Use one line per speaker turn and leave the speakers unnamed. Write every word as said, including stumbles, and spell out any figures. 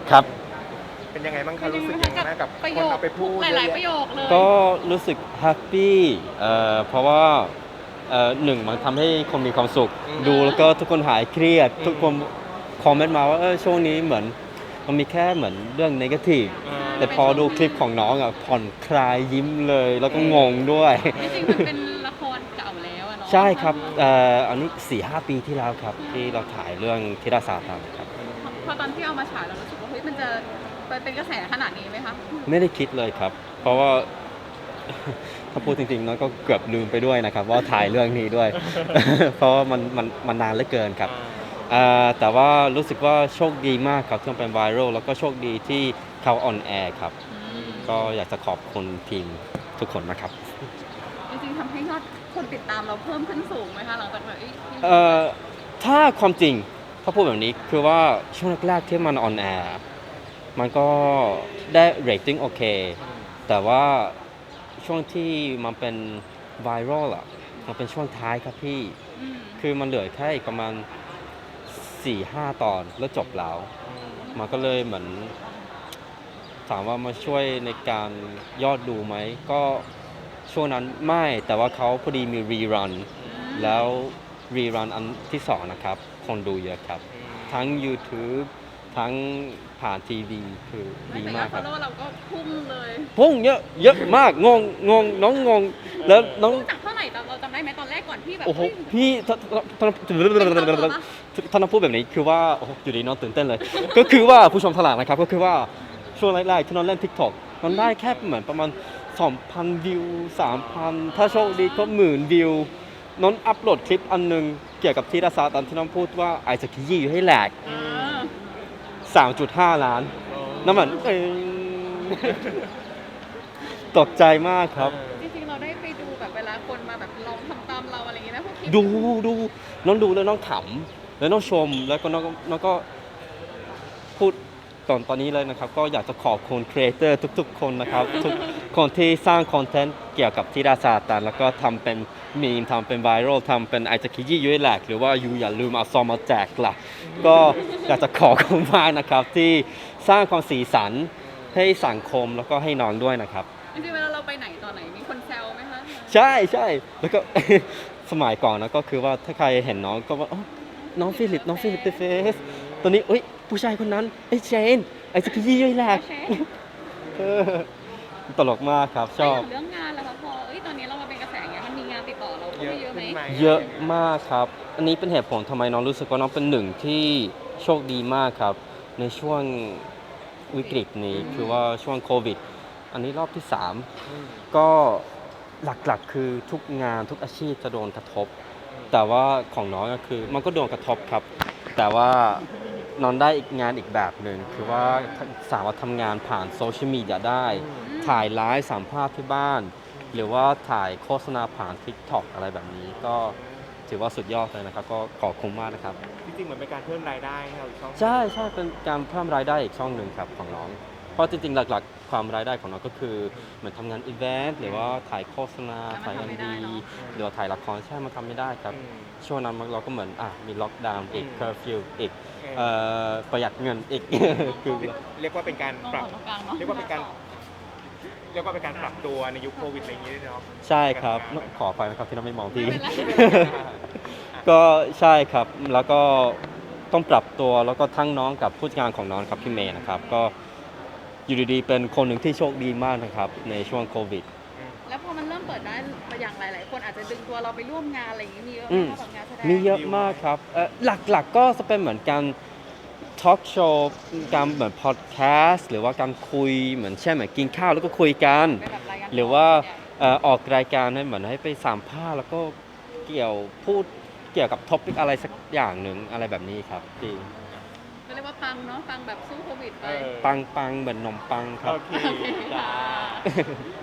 ครับ
เป็นยังไงบ้างคะรู้สึกยังไงบ้างกับ
ประ
ค
โย
น
ค
เอาไปพูด
ห
เยอะ
ลายๆ
แยะ
ประโยคเลย
ก็รู้สึกแฮปปี้เอ่อเพราะว่าเอ่อหนึ่งมันทำให้คนมีความสุข
อืม
ดูแล้วก็ทุกคนหายเครียด
อืม
ทุกคนคอมเมนต์มาว่าเออช่วงนี้เหมือนมันมีแค่เหมือนเรื่องนกาทีฟ
อ่า
แต่พอดูคลิปของน้องอ่ะผ่อนคลายยิ้มเลย แล้วก็งงด้วย
จริงๆมันเป็นละครเก่าแล้วอะเนาะ
ใช่ครับเอ่ออันนี้สี่ห้าปีที่แล้วครับ ที่เราถ่ายเรื่องธิดาซาตันครับ
พอตอนที่เอามาฉายเรารู้สึกว่าเฮ้ยมันจะเป็นกระแสขนาดนี้ไหมคะ
ไม่ได้คิดเลยครับ เพราะว่า ถ้าพูดจริงๆน้องก็เกือบลืมไปด้วยนะครับว่าถ่ายเรื่องนี้ด้วย เพราะว่ามันมันมันนานเหลือเกินครับ อ่าแต่ว่ารู้สึกว่าโชคดีมากครับที่มันเป็นไวรัลแล้วก็โชคดีที่เขาออนแอร์ครับ ก็อยากจะขอบคุณทีมทุกคนนะครับ
จริงๆทำให้ยอดคนติดตามเราเพิ่มขึ้นสูงไหมคะหลังจากแบบเอ้ย
เอ่อถ้าความจริงถ้าพูดแบบนี้คือว่าช่วงแรกๆที่มันออนแอร์มันก็ได้เรตติ้งโอเค แต่ว่าช่วงที่มันเป็นไวรัลอะมันเป็นช่วงท้ายครับพี่
อืม
คือมันเหลือแค่อีกประมาณ สี่ห้า ตอนแล้วจบแล้ว มันก็เลยเหมือนถามว่ามาช่วยในการยอดดูไหม ก็ช่วงนั้นไม่แต่ว่าเขาพอดีมีรีรัน แล้วรีรันอันที่สองนะครับ คนดูเยอะครับ ทั้ง YouTube ทั้งผ่านทีวีคือดี
แต่ย
มา
อก ด
ค
ฟอ
รั
ล
บ
โล่เราก็พุ่งเลย
พุ่งเยอะเยอะมากงงงงน้องงง แล้วน้อง
พุ่งจากเท่าไหร่ตอนเราจำได้ไหมตอนแรกก่อนที่แบบ
โอ้โห
เฮ้ย
พี่ถ้าถ้าถ้าถ้าน้องพูดแบบนี้คือว่าโอ้โหอยู่ดีน้องตื่นเต้นเลย ก็คือว่าผู้ชมทลาดนะครับก็คือว่าช่วงแรกๆที่น้องเล่น TikTok น้องได้แค่เหมือนประมาณ สองพัน วิว สามพัน ถ้าโชคดีก็หมื่นวิวน้องอัพโหลดคลิปอันหนึงเกี่ยวกับที่ดาซาตอนที่น้องพูดว่าไอจะขยี้อยู่ให้แหลก
เออ
สามจุดห้า ล้านน้ำมันเองตกใจมากครับ
จริงๆเราได้ไปดูแบบเวลาคนมาแบบลองทำตามเราอะไรอย่างเงี้ยนะพวกคลิป
ดูดูน้องดูแล้วน้องขำแล้วน้องชมแล้วก็น้องน้องก็พูดตอนตอนนี้เลยนะครับ ก็อยากจะขอบคุณครีเอเตอร์ทุกๆ คนนะครับ ทุกคนที่สร้างคอนเทนต์เกี่ยวกับธิดาซาตันแล้วก็ทำเป็นมีมทำเป็นไวรัลทำเป็นไอจักกี้ยุ้ยแหลกหรือว่ายูอย่าลืมเอาซองมาแจกล่ะ ก็อยากจะขอบคุณมากนะครับ ที่สร้างความสีสันให้สังคมแล้วก็ให้น้องด้วยนะครับ
จริงๆเวลาเราไปไหนตอนไหนมีคนแซวไหมคะ
ใช่ใช่แล้วก็ สมัยก่อนนะก็คือว่าถ้าใครเห็นน้องก็ว่าอ๋อน้องฟิลิปน้องฟิลิปเดอะเฟสตอนนี้เอ้ยผู้ชายคนนั้นไอ้เชนไอ้สกียี่ย่อยแหลก
โอเค
เออตลกมากครับชอบ
แล้วอย่างเรื่องงานล่ะคะพอเอ้ยตอนนี้เรามาเป็นกระแสอย่างเงี้ยมันมีงานติดต่อเราเข้า
เย
มา
อะ
เยอะไหม
ขึ้นไหม
เยอะมากครับ อันนี้เป็นเหตุผลทำไมน้องรู้สึกว่าน้องเป็นหนึ่งที่โชคดีมากครับ ในช่วงวิกฤตนี้คือว่าช่วงโควิด อันนี้รอบที่สาม
อืม
ก็หลักๆคือทุกงานทุกอาชีพจะโดนกระทบ แต่ว่าของน้องก็คือมันก็โดนกระทบครับ แต่ว่าน้องได้อีกงานอีกแบบหนึ่งคือว่าสามารถทำงานผ่านโซเชียลมีเดียได้ ถ่ายไลฟ์สัมภาษณ์ที่บ้าน หรือว่าถ่ายโฆษณาผ่าน TikTok อะไรแบบนี้ ก็ถือว่าสุดยอดเลยนะครับ ก็ขอบคุณมากนะครับ
จริงๆเหมือนเป็นการเพิ่มรายได้ให้เราอีกช่อง
ใช่ใช่เป็นการเพิ่มรายได้อีกช่องหนึ่งครับของน้อง เพราะจริงๆ หลักๆ ความรายได้ของน้องก็คือเหมือนทำงานอีเวนต์หรือว่าถ่ายโฆษณา ถ่ายเอ็มดีหรือว่าถ่ายละครใช่มันทำไม่ได้ครับ
อืม
ช่วงนั้นเราก็เหมือนอ่ะมีล็อกดาวน์อีก
อืม
เคอร์ฟิวอีก
โอเค
เอ่อประหยัดเงินอีก คือ
เรียกว่าเป็นการ
มอง
ปรับ
ของตรงกลางเนาะ
เรียกว่าเป็นการ เรียกว่าเป็นการปรับตัวในยุคโควิดอะไรอย่างนี้ด้วยเนาะ
ใช่ครับ ขอไปนะครับที่น้องไม่มองพี่
ไม่เป็นไร
ก็ใช่ครับ แล้วก็ต้องปรับตัวแล้วก็ทั้งน้องกับผู้จัดการของน้องครับพี่เมย์นะครับ ก็อยู่ดีๆเป็นคนหนึ่งที่โชคดีมากนะครับในช่วงโควิด
แล้วพอมันเริ่มเปิดได้อย่างหลายๆคนอาจจะดึงตัวเราไปร่วมงานอะไรอย่างงี้มีเยอะไห
อื
ม
ม
คะแบบงานแสดง
มีเยอะมากครับเอ่อหลักๆก็จะเป็นเหมือนการทอล์กโชว์การเหมือนพอดแคสต์หรือว่าการคุยเหมือนเช่นเหมือนกินข้าวแล้วก็คุยกัน
เป็นแบบรายการ
หรือว่าเอ่อออกรายการให้เหมือนให้ไปสัมภาษณ์แล้วก็เกี่ยวพูดเกี่ยวกับท็อปิกอะไรสักอย่างหนึ่งอะไรแบบนี้ครับพี่
ก็เรียกว่าปังเนาะปังแบบสู้โควิดไป
เออ
ปังปังเหมือนนมปังครับ
โอเค
โอเค
จ้า
ค่ะ